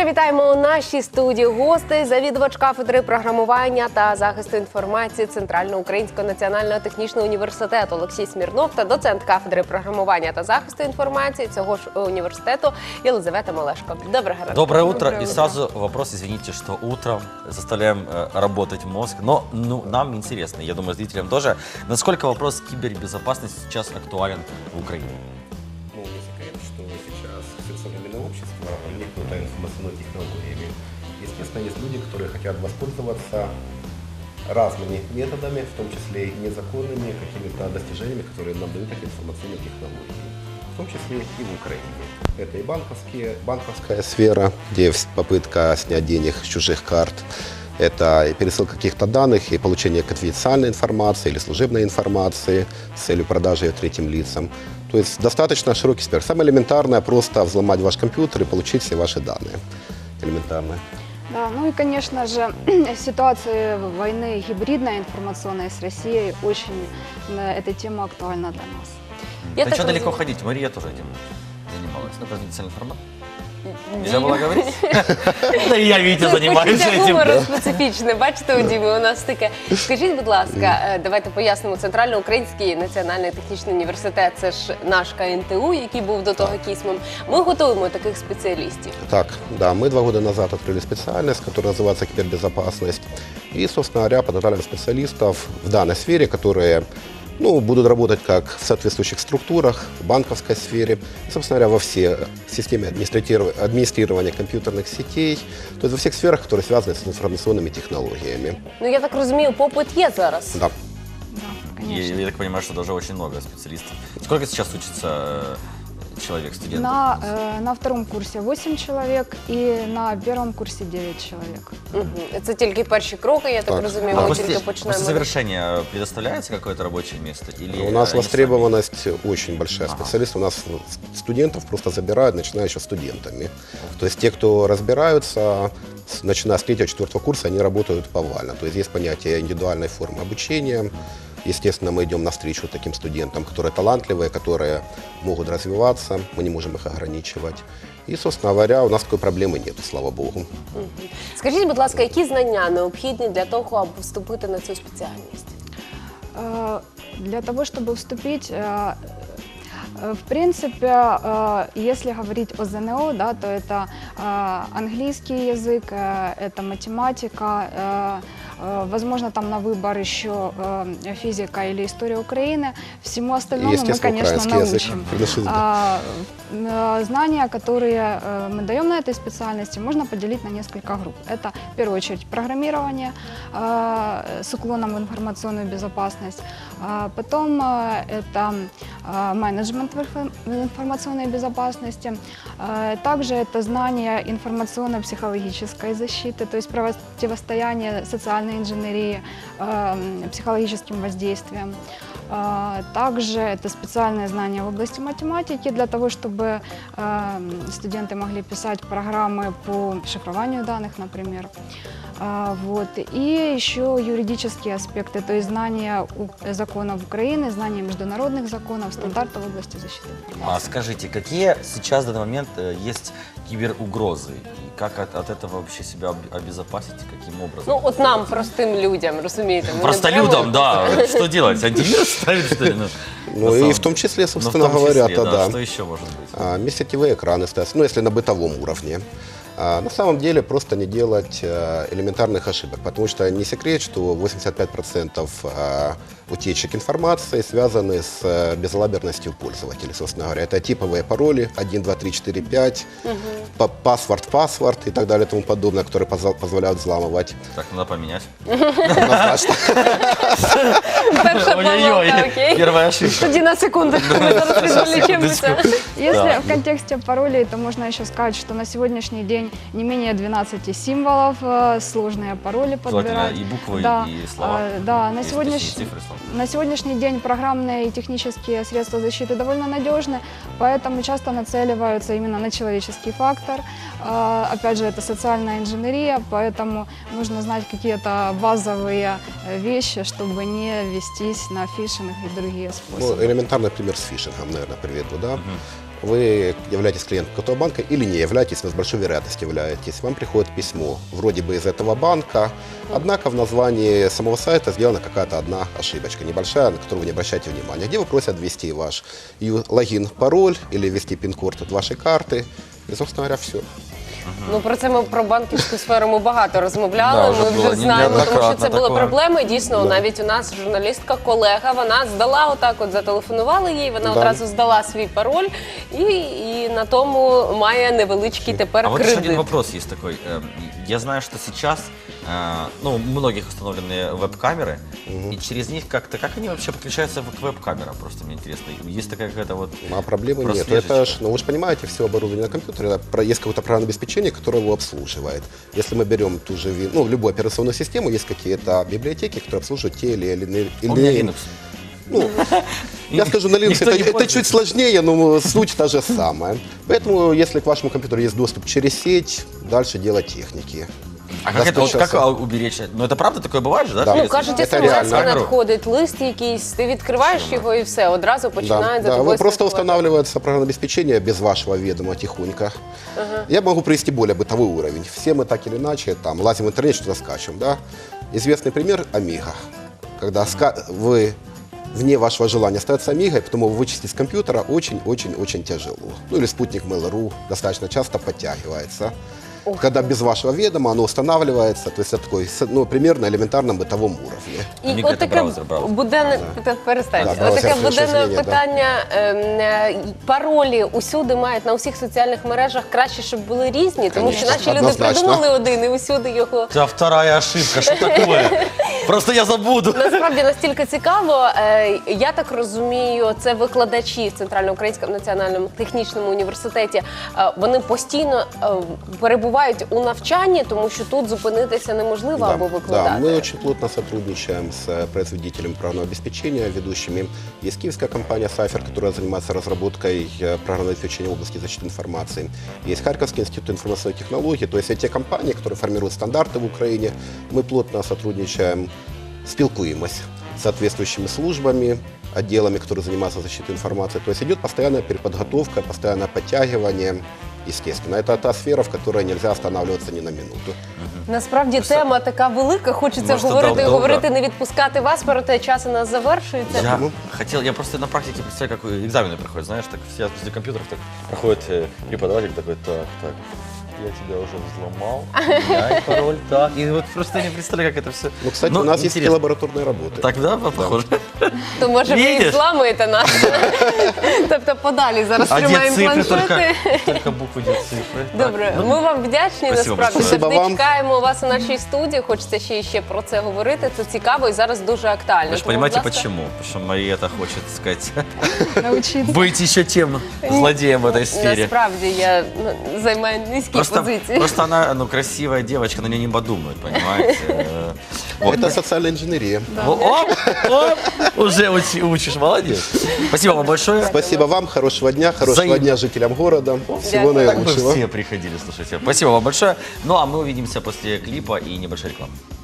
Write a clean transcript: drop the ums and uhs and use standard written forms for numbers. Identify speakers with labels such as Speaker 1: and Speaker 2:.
Speaker 1: Щиро вітаємо у нашій студії гостей, завідувач кафедри програмування та захисту інформації Центрального українського національного технічного університету Олексій Смірнов та доцент кафедри програмування та захисту інформації цього ж університету Єлизавета Малешко. Доброго ранку.
Speaker 2: Доброе утро. И сразу вопрос, извините, что утром заставляем работать мозг, но нам интересно, я думаю, зрителям тоже, насколько вопрос кибербезопасности сейчас актуален в Украине?
Speaker 3: Ну, не секрет, что сейчас все современное общество проникнуто информационными технологиями. Естественно, есть люди, которые хотят воспользоваться разными методами, в том числе и незаконными какими-то достижениями, которые нам дают эти информационные технологии. В том числе и в Украине. Это и банковская сфера, где попытка снять денег с чужих карт. Это и пересылка каких-то данных, и получение конфиденциальной информации или служебной информации с целью продажи ее третьим лицам. То есть достаточно широкий спектр. Самое элементарное – просто взломать ваш компьютер и получить все ваши данные. Элементарно.
Speaker 4: Да, ну и, конечно же, ситуация войны гибридной информационной с Россией, очень эта тема актуальна для нас.
Speaker 1: Я
Speaker 2: Да
Speaker 1: так
Speaker 2: что далеко
Speaker 1: розумію.
Speaker 2: ходить? Мария тоже этим занималась. Ну, конфиденциальный формат. Нельзя было говорить? Да и я, Витя, занимаюсь
Speaker 1: Це
Speaker 2: этим.
Speaker 1: гумору специфічне. Бачите, у Діми у нас таке. Скажіть, будь ласка, давайте пояснимо. Центрально-Український національний технічний університет – це ж наш КНТУ, який був до того кісмом. Ми готуємо таких спеціалістів.
Speaker 3: Так, да, мы 2 года назад открыли специальность, которая называется кибербезопасность. И, собственно говоря, подготовили специалистов в данной сфере, которые будут работать как в соответствующих структурах, в банковской сфере, и, собственно говоря, во все системы администрирования компьютерных сетей, то есть во всех сферах, которые связаны с информационными технологиями.
Speaker 1: Ну, я так розумію, попит є зараз.
Speaker 3: Да.
Speaker 4: Да,
Speaker 2: И
Speaker 4: конечно.
Speaker 2: я так понимаю, что даже очень много специалистов. Сколько сейчас учится человек, студентов?
Speaker 4: На втором курсе 8 человек и на первом курсе 9 человек.
Speaker 1: Мгм. Це тільки перші кроки, я так
Speaker 3: Так.
Speaker 1: розумію,
Speaker 2: А
Speaker 1: ми
Speaker 2: после,
Speaker 1: тільки
Speaker 2: после
Speaker 1: починаємо.
Speaker 2: завершения предоставляется какое-то рабочее место? Или
Speaker 3: У нас
Speaker 2: они
Speaker 3: востребованность очень большая.
Speaker 2: Ага.
Speaker 3: Специалисты у нас студентов просто забирают, начиная еще студентами. То есть те, кто разбираются, начиная с 3-4 курса, они работают повально. То есть есть понятие индивидуальной формы обучения. Естественно, мы идем навстречу таким студентам, которые талантливые, которые могут развиваться, мы не можем их ограничивать. И, собственно говоря, у нас такой проблемы нет, слава богу.
Speaker 1: Мгм. Скажіть, будь ласка, які знання необхідні для того, аби вступити на цю спеціальність?
Speaker 4: Для того, чтобы вступить, в принципе, если говорить о ЗНО, да, то это английский язык, это математика, возможно, там на выбор еще физика или история Украины. Всему остальному мы, конечно,
Speaker 3: украинский язык.
Speaker 4: научим.
Speaker 3: Приглашусь, да.
Speaker 4: Знания, которые мы даем на этой специальности, можно поделить на несколько групп. Это, в первую очередь, программирование с уклоном в информационную безопасность. Потом это менеджмент в информационной безопасности. Также это знание информационно-психологической защиты, то есть противостояние социальной инженерии, психологическим воздействием. Также это специальные знания в области математики для того, чтобы студенты могли писать программы по шифрованию данных, например. Вот. И еще юридические аспекты, то есть знания законов Украины, знания международных законов, стандартов в области защиты информации.
Speaker 2: А скажите, какие сейчас в данный момент есть киберугрозы? И как от этого вообще себя обезопасить? Каким образом?
Speaker 1: Ну, от нам, простим людям, розумієте? ми не
Speaker 2: Просто
Speaker 1: беремо-
Speaker 2: людям, да. Что делать? Антивирус ставить, что ли?
Speaker 3: Ну и в том числе, собственно говоря,
Speaker 2: да.
Speaker 3: да.
Speaker 2: Что еще может быть?
Speaker 3: Межсетевые экраны ставятся, если на бытовом уровне. На самом деле просто не делать элементарных ошибок, потому что не секрет, что 85% утечек информации связаны с безалаберностью пользователей, собственно говоря. Это типовые пароли 1, 2, 3, 4, 5, паспорт и так далее и тому подобное, которые позволяют взламывать.
Speaker 2: Так, надо поменять.
Speaker 3: Однозначно.
Speaker 1: Перша
Speaker 2: Ой-ой-ой,
Speaker 1: помилка, окей?
Speaker 2: первая ошибка.
Speaker 1: Тоді на секундочку, ми зараз відволічемося.
Speaker 4: Если в контексте паролей, то можно еще сказать, что на сегодняшний день не менее 12 символов, сложные пароли
Speaker 2: Желательно
Speaker 4: подбирать.
Speaker 2: и буквы,
Speaker 4: Да,
Speaker 2: и слова.
Speaker 4: да,
Speaker 2: Есть точнее цифры, слова.
Speaker 4: на сегодняшний день программные и технические средства защиты довольно надежны, поэтому часто нацеливаются именно на человеческий фактор. Опять же, это социальная инженерия, поэтому нужно знать какие-то базовые вещи, чтобы не вестись на фишинг и другие
Speaker 3: Ну,
Speaker 4: способы.
Speaker 3: элементарный пример с фишингом, наверное, приведу, да. вы являетесь клиентом какого-то банка или не являетесь, вы с большой вероятностью являетесь. Вам приходит письмо, вроде бы из этого банка, однако в названии самого сайта сделана какая-то одна ошибочка, небольшая, на которую вы не обращаете внимания, где вы просят ввести ваш логин, пароль или ввести пин-код от вашей карты. И, собственно говоря, все.
Speaker 1: Ну, про це ми про банківську сферу ми багато розмовляли.
Speaker 2: Да, вже
Speaker 1: ми
Speaker 2: було
Speaker 1: вже знаємо, тому що
Speaker 2: неоднократно
Speaker 1: це були
Speaker 2: такое.
Speaker 1: проблеми. Дійсно, навіть у нас журналістка, колега, вона здала отак, от зателефонували їй, вона
Speaker 3: Да.
Speaker 1: одразу здала свій пароль і на тому має невеличкий тепер
Speaker 2: А вот еще один
Speaker 1: кредит.
Speaker 2: вопрос есть такой. Я знаю, что сейчас ну, у многих установлены веб-камеры, и через них как-то, как они вообще подключаются к веб-камерам? Просто мне интересно. Есть такая какая-то вот...
Speaker 3: А проблемы нет.
Speaker 2: прослежечка?
Speaker 3: Это ж, ну, вы же понимаете, все оборудование на компьютере, есть какое-то программное обеспечение, которое его обслуживает. Если мы берем ту же, ну, любую операционную систему, есть какие-то библиотеки, которые обслуживают те или иные...
Speaker 2: У меня Linux.
Speaker 3: Ну, я скажу, на Linux
Speaker 2: Никто не
Speaker 3: это
Speaker 2: пользуется.
Speaker 3: чуть сложнее, но суть та же самая. Поэтому, если к вашему компьютеру есть доступ через сеть, дальше дело техники.
Speaker 2: А как это,
Speaker 3: Достаточно
Speaker 2: как уберечь? Ну, это правда такое бывает же, да?
Speaker 3: Да.
Speaker 1: Ну,
Speaker 2: Если
Speaker 1: кажуть,
Speaker 3: Це
Speaker 1: смс
Speaker 3: реально.
Speaker 1: надходить, лист якийсь, ти відкриваєш його і все, одразу починають за
Speaker 3: Да,
Speaker 1: тобою
Speaker 3: вы просто
Speaker 1: слідкувати.
Speaker 3: устанавливается программное обеспечение без вашего ведома тихонько. Я могу привести более бытовой уровень. Все мы так или иначе там лазим в интернет, что-то скачем, да? Известный пример Amiga. Когда вы вне вашего желания остается Amiga, и потом его вычистить с компьютера очень-очень-очень тяжело. Ну или спутник Mail.ru достаточно часто подтягивается. Когда без вашего ведома оно устанавливается, то есть это такой, ну, примерно елементарном бытовом уровне.
Speaker 1: І
Speaker 2: Amiga
Speaker 1: от
Speaker 2: це
Speaker 1: таке
Speaker 2: браузер.
Speaker 1: буденне, перестань.
Speaker 3: Да,
Speaker 1: От
Speaker 3: браузер,
Speaker 1: таке
Speaker 3: це
Speaker 1: буденне
Speaker 3: змінення, да.
Speaker 1: питання. Паролі усюди мають на усіх соціальних мережах краще, щоб були різні, тому що
Speaker 3: Конечно,
Speaker 1: наші люди
Speaker 3: однозначно.
Speaker 1: придумали один і усюди його.
Speaker 2: Это вторая ошибка, что такое? Просто я забуду.
Speaker 1: Насправді настільки цікаво. Я так розумію, це викладачі в Центрально-Українському національному технічному університеті. Вони постійно перебувають у навчанні, тому що тут зупинитися неможливо або
Speaker 3: Да,
Speaker 1: викладати.
Speaker 3: мы очень плотно сотрудничаем с производителями программного обеспечения, ведущими. Есть киевская компания Cypher, которая занимается разработкой программного обеспечения в области защиты информации. Есть Харьковский институт информационных технологий. То есть эти компании, которые формируют стандарты в Украине, мы плотно сотрудничаем, спілкуемся с соответствующими службами, отделами, которые занимаются защитой информации. То есть идет постоянная переподготовка, постоянное подтягивание. Естественно, это та сфера, в которой нельзя останавливаться ни на минуту.
Speaker 1: Насправді тема така велика, хочеться
Speaker 2: Може,
Speaker 1: говорити і
Speaker 2: довго.
Speaker 1: говорити, не відпускати вас, проте час у нас завершується.
Speaker 2: Я хотел, я просто на практике представляю, как экзамены проходят, знаешь, так все возле компьютеров так проходит преподаватель такой, так, я тебя уже взломал, меняй пароль, так, и вот просто я не представляю, как это все.
Speaker 3: Ну, кстати, у нас есть и лабораторные работы.
Speaker 2: Так, да, похоже?
Speaker 1: То може ви і
Speaker 2: Видиш?
Speaker 1: зламуєте нас. Тобто подалі зараз
Speaker 2: А где
Speaker 1: тримаємо
Speaker 2: цифры,
Speaker 1: планшети.
Speaker 2: только буквы, где цифры.
Speaker 1: Добре, ми вам вдячні,
Speaker 2: Спасибо
Speaker 1: насправді.
Speaker 2: большое.
Speaker 3: Спасибо
Speaker 1: Завжди
Speaker 3: вам.
Speaker 1: чекаємо вас у нашій студії, хочеться ще про це говорити. Це цікаво і зараз дуже актуально.
Speaker 2: Вы же
Speaker 1: Тому,
Speaker 2: понимаете,
Speaker 1: будь ласка,
Speaker 2: почему? Потому что Мариэта хочет, так сказать,
Speaker 4: Научиться.
Speaker 2: быть еще тем злодеем в этой сфере.
Speaker 1: Насправді я займаю низькі позиції.
Speaker 2: Просто она, ну, красивая девочка, на нее не подумают, понимаете? Вот.
Speaker 3: Это социальная инженерия.
Speaker 2: Оп, уже учишь, молодец. Спасибо вам большое.
Speaker 3: Спасибо вам, хорошего дня, хорошего
Speaker 2: Взаимно.
Speaker 3: дня жителям города. Всего
Speaker 1: Дякую.
Speaker 2: Так бы
Speaker 3: наилучшего.
Speaker 2: все приходили, слушайте. Спасибо вам большое. Ну, а мы увидимся после клипа и небольшой рекламы.